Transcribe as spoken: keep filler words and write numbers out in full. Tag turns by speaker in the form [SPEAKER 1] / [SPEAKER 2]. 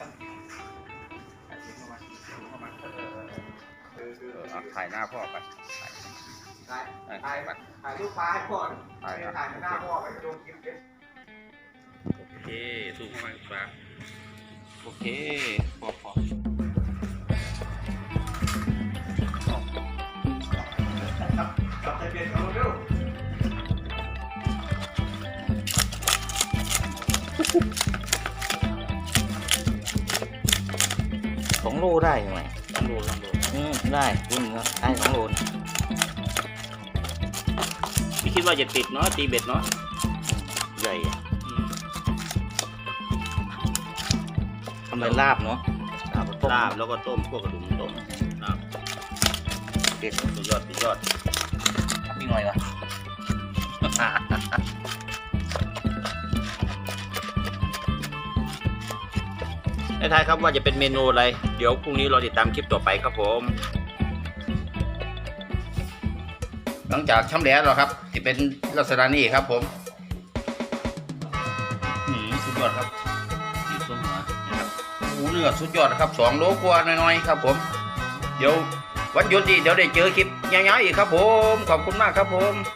[SPEAKER 1] ถ่ายหน้าพ่อไป
[SPEAKER 2] ถ่ายถ่ายถ่ายรูปปลาให้พ่อถ่ายถ่ายหน้าพ่อไปโดนคลิปเลย
[SPEAKER 1] โอเคสูงเข้ามาครับโอเคพอพอ
[SPEAKER 2] จับใจเปลี่ยนเขาเร็ว
[SPEAKER 3] สองโลได้ไหม
[SPEAKER 1] ลองดูลองดู
[SPEAKER 3] อืมได้คุณได้สองโล
[SPEAKER 1] ไม่คิดว่าจะติดเนาะตีเบ็ดเนาะ
[SPEAKER 3] ใหญ่ทำเป็นลาบเนาะลาบ
[SPEAKER 1] ลาบแล้วก็ต้มพวกกระดูกต้มลาบ
[SPEAKER 3] เด็ด
[SPEAKER 1] สุดยอดสุดยอด
[SPEAKER 3] มีหน่อยวะ
[SPEAKER 1] ให้ทายครับว่าจะเป็นเมนูอะไรเดี๋ยวพรุ่งนี้เราติดตามคลิปต่อไปครับผมหลังจากช่ำแหล้วแล้วครับที่เป็นลักษณะนี้ครับผมหืมสุดยอดครับดีส้มหัวนะครับหูเนื้อสุดยอดนะครับสองโลกว่าน้อยๆครับผมเดี๋ยววันหยุดดีเดี๋ยวได้เจอคลิปยาวๆอีกครับผมขอบคุณมากครับผม